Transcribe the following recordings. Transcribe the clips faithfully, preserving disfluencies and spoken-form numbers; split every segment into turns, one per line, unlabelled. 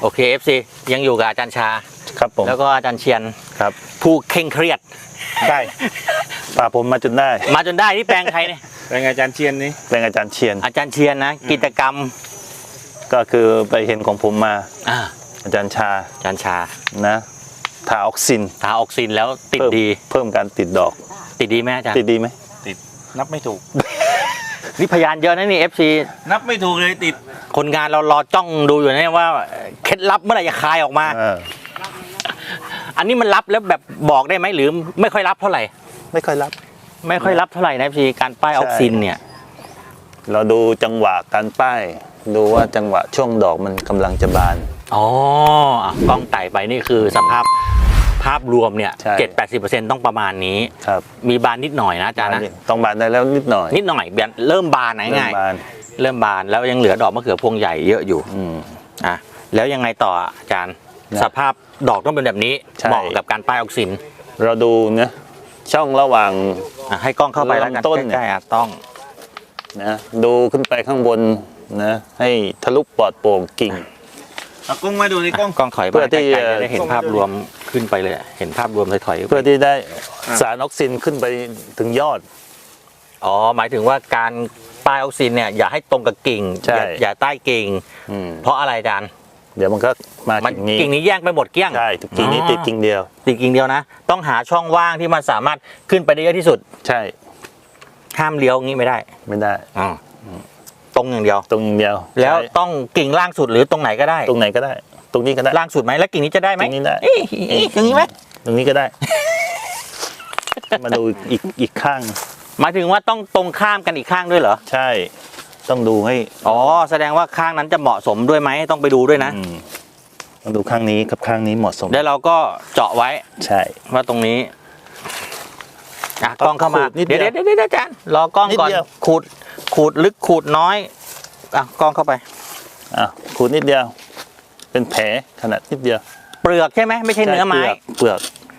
โอเค เอฟ ซี ยังอยู่กับอาจารย์ชา
ครับผม
แล้วก็อาจารย์เชียน
ครับ
ผู้เคร่งเครียด
ใช่ป่าผมมาจนได้
มาจนได้ที่แปลงใครเนี่ย
แปลงอาจารย์เชียนนี่
แปลงอาจารย์เชียน
อาจารย์เชียนนะกิจกรรม
ก็คือไปเห็นของผมมา
อ่า
อาจารย์ชา
อาจารย์ชา
นะทาออกซิน
ทาออกซินแล้วติดดี
เพิ่มการติดดอก
ติดดีไหมอาจารย์
ติดดีไหม
ติดนับไม่ถูก
นี่พยานเยอะนะนี่ เอฟ ซี
นับไม่ถูกเลยติด
คนงานเรารอจ้องดูอยู่เนี่ยว่าเคล็ดลับเมื่อไหร่จะคายออกมาอันนี้มันรับแล้วแบบบอกได้ไหมหรือไม่ค่อยรับเท่าไหร่
ไม่ค่อยรับ
ไม่ค่อยรับเท่าไหร่นะพี่การป้ายออกซินเนี่ย
เราดูจังหวะการป้ายดูว่าจังหวะช่วงดอกมันกำลังจะบาน
อ๋อกล้องไต่ไปนี่คือสภาพภาพรวมเนี่ยเจ็ดแปดสิบเปอร์เซ็นต์ต้องประมาณนี้
ครับ
มีบานนิดหน่อยนะอาจารย์นะ
ต้องบานได้แล้วนิดหน่อย
นิดหน่อยเริ่มบานง่ายๆเริ่มบานแล้วยังเหลือดอกมะเขือพวงใหญ่เยอะอยู่อ่ะแล้วยังไงต่ออาจารย์สภาพดอกต้องเป็นแบบนี้เหมาะกับการป้ายออกซิน
เราดูนะช่องระหว่าง
ให้กล้องเข้าไปแล้วกันใกล้ๆต้อง
นะดูขึ้นไปข้างบนนะให้ทะลุปลอดโปร่งกิ่ง
เอากล้องมาดูในกล้อง
กล้องถอยเพื่อที่จะได้เห็นภาพรวมขึ้นไปเลยเห็นภาพรวมถอย
เพื่อที่ได้สารออกซินขึ้นไปถึงยอด
อ๋อหมายถึงว่าการป้ายออกซินเนี่ยอย่าให้ตรงกับกิ่งอย่าใต้กิ่งเพราะอะไรอาจารย์
เดี๋ยวมันก็มากิ่งนี้
กิ่งนี้แย่งไปหมดเกลี้ยง
ใช่กิ่งนี้ติดกิ่งเดียว
ติดกิ่งเดียวนะต้องหาช่องว่างที่มันสามารถขึ้นไปได้เยอะที่สุด
ใช่
ห้ามเลี้ยวงี้ไม่ได้
ไม่ได้
อ๋อตรงอย่างเดียว
ตรงอย่างเดียว
แล้วต้องกิ่งล่างสุดหรือตรงไหนก็ได้
ตรงไหนก็ได้ตรงนี้ก็ได้
ล่างสุดไหมแล้วกิ่งนี้จะได้ไหม
ตรงนี้ได้
อย่างนี้ไหม
ตรงนี้ก็ได้มาดูอีกอีกข้าง
หมายถึงว่าต้องตรงข้ามกันอีกข้างด้วยเหรอ
ใช่ต้องดูให้
อ๋อแสดงว่าข้างนั้นจะเหมาะสมด้วยไหมต้องไปดูด้วยนะ
ต้องดูข้างนี้กับข้างนี้เหมาะสม
แล้วเราก็เจาะไว้
ใช่
ว่าตรงนี้อ่ะกล้องเข้ามาเดี๋ยวเดี๋ยวเดี๋ยวอาจารย์รอกล้องก่อนขูดขูดลึกขูดน้อยอ่ะกล้องเข้าไป
อ่ะขูดนิดเดียวเป็นแผลขนาดนิดเดียว
เปลือกใช่ไหมไม่ใช่เนื้อไม้
เปลือก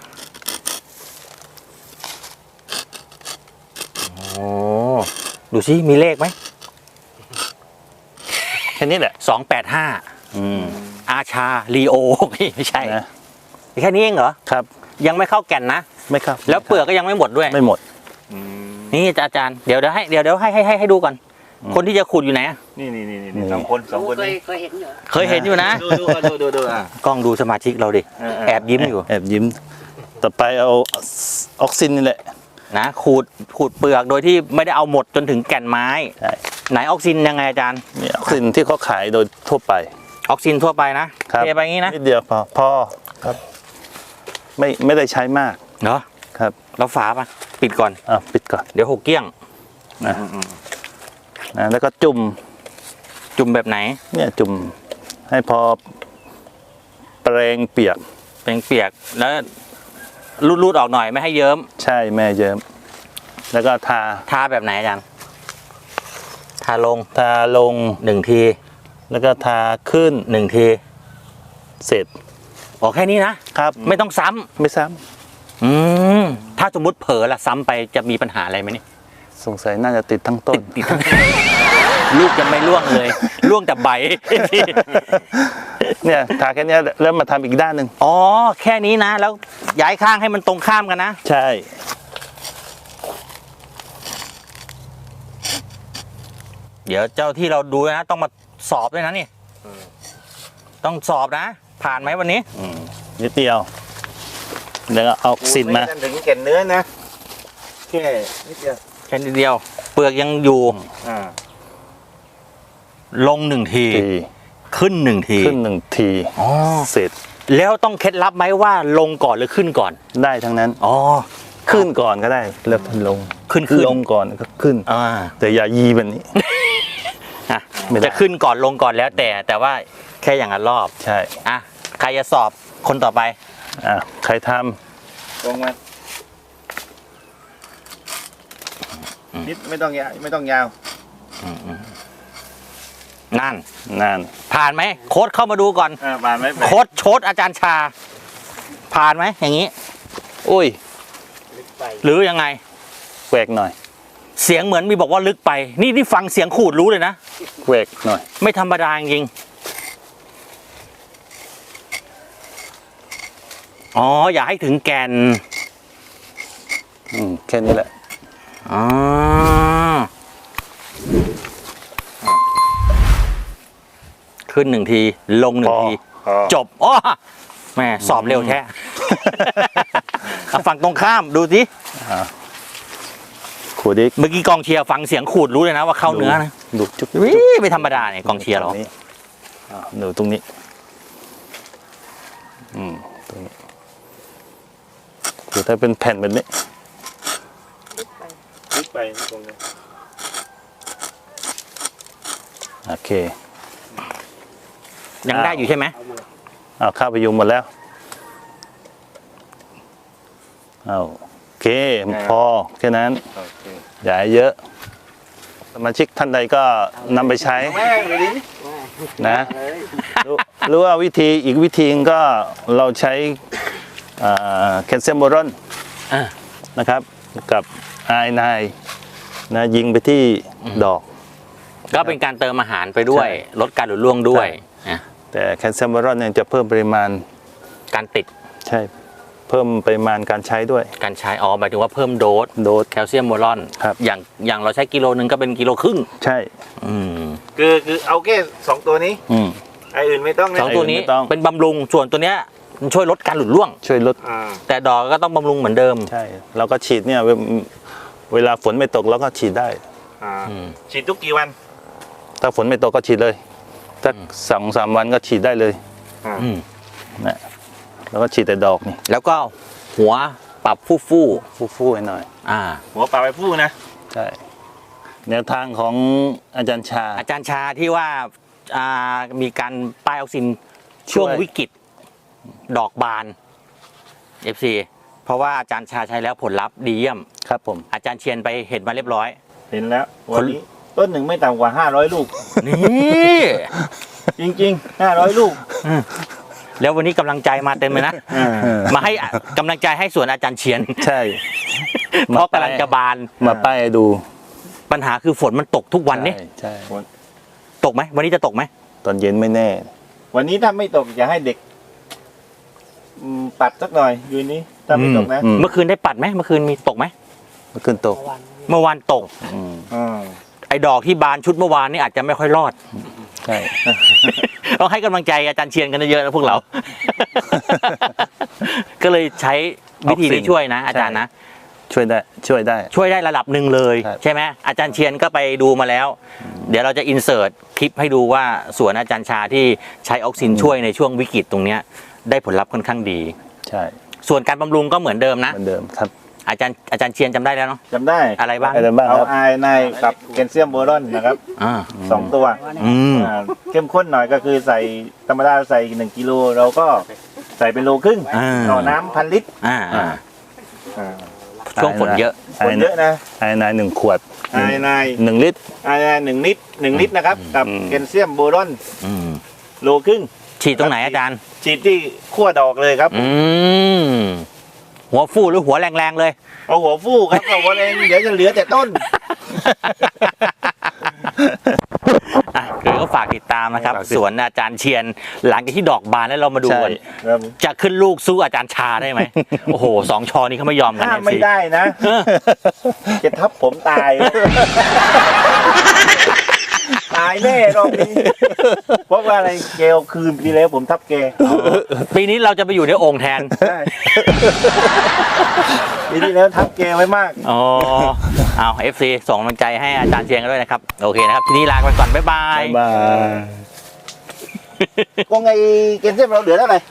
โอ้ดูสิมีเลขไหม
แค่นี้แหละ
สองแปดห้าอาชาลีโอไม่ใช่
นะ
แค่นี้เองเหรอ
ครับ
ยังไม่เข้าแก่นนะ
ไม่ครับ
แล้วเปลือกก็ยังไม่หมดด้วย
ไม่หมด
นี่อาจารย์เดี๋ยวเดี๋ยวให้เดี๋ยวเดี๋ยวให้ให้ให้ดูก่อนคนที่จะขุดอยู่ไหน
นี่นี่นี่สองคนสองคนนี้
เคยเห็นอยู่เคยเห็นอยู่นะ
ดูดูดูดูดูอ่ะ
กล้องดูสมาชิกเราดิแอบยิ้มอยู่
แอบยิ้มต่อไปเอาออกซินนี่แหละ
นะขูดขูดเปลือกโดยที่ไม่ได้เอาหมดจนถึงแก่นไม้ไหนออกซินยังไงอาจารย์
นี่ออกซินที่เขาขายโดยทั่วไป
ออกซินทั่วไปนะเทไปงี้นะ
นิดเดียวพอพอครับไม่ไม่ได้ใช้มาก
เนาะ
ครับ
แล้วฝาป่ะปิดก่อน
อ่ะปิดก่อน
เดี๋ยวหกเกี้ยง
นะนะแล้วก็จุ่ม
จุ่มแบบไหน
เนี่ยจุ่มให้พอแปรงเปียก
แปรงเปียกแล้วรูดๆออกหน่อยไม่ให้เยิ้ม
ใช่แม่เยิ้มแล้วก็ทา
ทาแบบไหนอาจารย์ทาลง
ทาลง
หนึ่งที
แล้วก็ทาขึ้น
หนึ่งที
เสร็จ
โอ้แค่นี้นะครับไม่ต้องซ้ำ
ไม่ซ้
ำอืมถ้าสมมุติเผลอละซ้ำไปจะมีปัญหาอะไรไหมนี่
สงสัยน่าจะติดทั้งต้น
ติดทั้งลูกจะไม่ร่วงเลยร่วงแต่ใบ
เนี่ยทาแค่นี้แล้วมาทำอีกด้านหนึ่ง
อ๋อแค่นี้นะแล้วย้ายข้างให้มันตรงข้ามกันนะ
ใช่
เดี๋ยวเจ้าที่เราดูนะต้องมาสอบด้วยนะนี่ต้องสอบนะผ่านไหมวันนี้
นิดเดียวแล้วก็เอาซินมา
ถึงแก่นเนื้อนะแค่นิดเดียว
แค่นิดเดียวเปลือกยังอยู่ลงหนึ่งทีขึ้นหนึ่งที
ขึ้นหนึ่งทีเสร็จ
แล้วต้องเคล็ดลับไหมว่าลงก่อนหรือขึ้นก่อน
ได้ทั้งนั้น
อ๋อ
ขึ้นก่อนก็ได้แล้วลง
ขึ้นขึ้น
ลงก่อนก็ขึ้นแต่อย่ายีแบบนี้
จะขึ้นก่อนลงก่อนแล้วแต่แต่ว่าแค่อย่างละรอบ
ใช่
อ่ะใครจะสอบคนต่อไป
อ่ะใครท
ำตรงมานิดไม่ต้องยาวไม่ต้องยาว
นั่น
นั่น
ผ่านไหมโค้ดเข้ามาดูก่อน
ผ่านไหม
โค้ดโชดอาจารย์ชาผ่านไหมอย่างนี้
อุ้ย
หรือยังไง
แหวกหน่อย
เสียงเหมือนมีบอกว่าลึกไปนี่ที่ฟังเสียงขูดรู้เลยนะ
แหวกหน่อย
ไม่ธรรมดาจริงอ๋ออย่าให้ถึงแก่น
อืมแค่นี้แหละ
อ๋อขึ้นหนึ่งทีลงหนึ่งที
พอ
จบอ๋อแม่สอบเร็วแท้ เอาฝั่งตรงข้ามดูสิ
ขูดอีก
เมื่อกี้กองเชียร์ฟังเสียงขูดรู้เลยนะว่าเข้าเนื้อนะ
ดูจุ๊บ
วิไม่ธรรมดาเนี่ยกองเชียร์เรา
ตนี้อ่าดูตรงนี้อืมตรงนี้คือถ้าเป็นแผ่นแบบนี้
ลึกไปตรงนี้
โอเค
ยังได้อยู่ใช่ไหม
เอาข้าวไปยุงหมดแล้วเอาโอเคพอแค่นั้น
โอเค
อย่าให้เยอะสมาชิกท่านใดก็นำไปใช้
แม่งเลยดิ
นะรู้รู้ว่าวิธีอีกวิธีนึงก็เราใช้แคลเซียมโบรอน
อ่า
นะครับกับไอไนนะยิงไปที่ดอก
ก็เป็นการเติมอาหารไปด้วย
ใช่
ลดการหลุดร่วงด้วย
ใช่
อ่ะ
แต่แคลเซียมโบรอนเนี่ยจะเพิ่มปริมาณ
การติด
ใช่เพิ่มปริมาณการใช้ด้วย
การใช้อ๋อหมายถึงว่าเพิ่มโดส
โดส
แคลเซียมโบรอน
ครับ
อย่างอย่างเราใช้กิโลนึงก็เป็นกิโลครึ่ง
ใช่
อืม
คือคือเอาแค่สองตัวนี้
อืม
ไอ้อื่นไม่ต้องนะ
สองตัวนี้
ไม่ต้อง
เป็นบำรุงส่วนตัวเนี้ยมันช่วยลดการหลุดร่วง
ช่วยลด
อ่า
แต่ดอกก็ต้องบำรุงเหมือนเดิม
ใช่เราก็ฉีดเนี่ยเวเวลาฝนไม่ตกเราก็ฉีดได้
อ่า
อืม
ฉีดทุกกี่วัน
ถ้าฝนไม่ตกก็ฉีดเลยสักสองสามวันก็ฉีดได้เลย
อ่า
อืม
นะแล้วก็ฉีดแต่ดอกนี่
แล้วก็หัวปรับฟู่ฟู่
ฟู่ๆให้หน่อย
ๆอ่า
หัวปลาไปพูดนะ
ใช่แนวทางของอาจารย์ชา
อาจารย์ชาที่ว่าอ่ามีการป้ายออกซินช่วง
ช่วย
วิกฤตดอกบาน เอฟ ซี เพราะว่าอาจารย์ชาใช้แล้วผลลัพธ์ดีเยี่ยม
ครับผม
อาจารย์เชียนไปเห็นมาเรียบร้อย
เห็นแล้ววันนี้ต้นหนึ่งไม่ต่ำกว่าห้าร้อยลูก
นี่
จริงๆห้าร้อยลูก
แล้ววันนี้กำลังใจมาเต็มเลยนะ
อ่า
มาให้กำลังใจให้สวนอาจารย์เชียน
ใช่
เพราะกำลังจะบาน
มาป้ายให้ดู
ปัญหาคือฝนมันตกทุกวันนี่
ใช่ใช่
ตกไหมวันนี้จะตกไหม
ตอนเย็นไม่แน่
วันนี้ถ้าไม่ตกอย่าให้เด็กอืมปัดสักหน่อยอยู่นี้ถ้าไม่ตกนะ
อืม
เมื่อคืนได้ปัดไหมเมื่อคืนมีตกไหม
เมื่อคืนตก
เมื่อวานตก
อืม
อ่า
ไอ้ดอกที่บานชุดเมื่อวานนี่อาจจะไม่ค่อยรอด
ใช่
ต้องให้กำลังใจอาจารย์เชียนกันเยอะๆนะพวกเรา ก็เลยใช้วิธีนี้ช่วยนะ อาจารย์นะ
ช่วยได้ช่วยได้
ช่วยได้ระดับหนึ่งเลย
ครับ
ใช่ไหมอาจารย์เชียนก็ไปดูมาแล้ว เดี๋ยวเราจะอินเสิร์ตคลิปให้ดูว่าสวนอาจารย์ชาที่ใช้ออกซินช่วยในช่วงวิกฤตตรงเนี้ยได้ผลลัพธ์ค่อนข้างดี
ใช่
ส่วนการบำรุงก็เหมือนเดิมนะ
เหมือนเดิมครับ
อาจารย์อาจารย์เชียนจำได้แล้วเนาะ
จำได้
อะไรบ้าง
อะไรบ้าง
เอา
ครับ
ไอไนกับแคลเซียมโบรอนนะครับ
อ่า
สองตัว
อืม
อ่าเข้มข้นหน่อยก็คือใส่ธรรมดาใส่หนึ่งกิโลเราก็ใส่เป็นโลครึ่ง
อ่า
ต่อน้ำพันลิตร
อ่าอ่า
อ่า
ช่วงฝนเยอะ
ไอ
คนเยอะนะ
ไอไนหนึ่งขวด
ไอไน
หนึ่งลิตร
ไอไนหนึ่งลิตรหนึ่งลิตรนะครับ กับ
อืม
แคลเซียมโบรอน
อืม
โลครึ่ง
ฉีดตรงไหนอาจารย์
ฉีดที่ขั้วดอกเลยครับ
อืมหัวฟูหรือหัวแรงๆเลย
เอาหัวฟูกครับเอาหัวแรงเดี๋ยวจะเหลือแต่ต้น
อ่ะเดี๋ยวก็ฝากติดตามนะครับ สวนอาจารย์เชียน หลังจากที่ดอกบานแล้วเรามาดูกัน
ครับ
จะขึ้นลูกสู้อาจารย์ชาได้ไหม โอ้โหสองชอนี้เขาไม่ยอมกัน
ถ้า
เนี่ย
ไม่
สิ
ได้นะ จะทับผมตาย ตายแน่รอบนี้ เพราะว่าอะไรแกเอาคืนปีแล้วผมทับแก
ปีนี้เราจะไปอยู่ในโอ่งแทน
ใช่ปีที่แล้วทับแกไว้มาก
อ๋อ เอา เอฟ ซี ส่งกำลังใจให้อาจารย์เชียนกันด้วยนะครับ โอเคนะครับ ทีนี้ลาไปก่อน บ๊ายบาย
บ๊ายบาย
ก็ไงเกณฑ์เส้นเราเหลือเท่าไหร่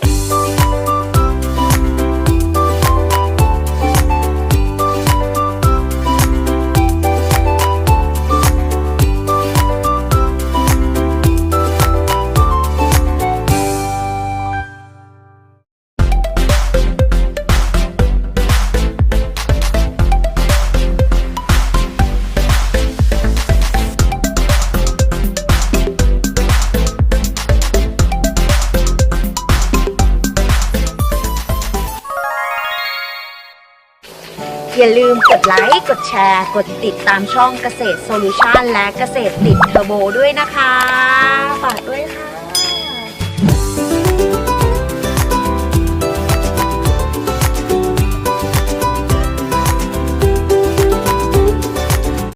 อย่าลืมกดไลค์ กดแชร์ กดติดตามช่องเกษตรโซลูชันและเกษตรติดเทอร์โบด้วยนะคะ ฝากด้วยค่ะ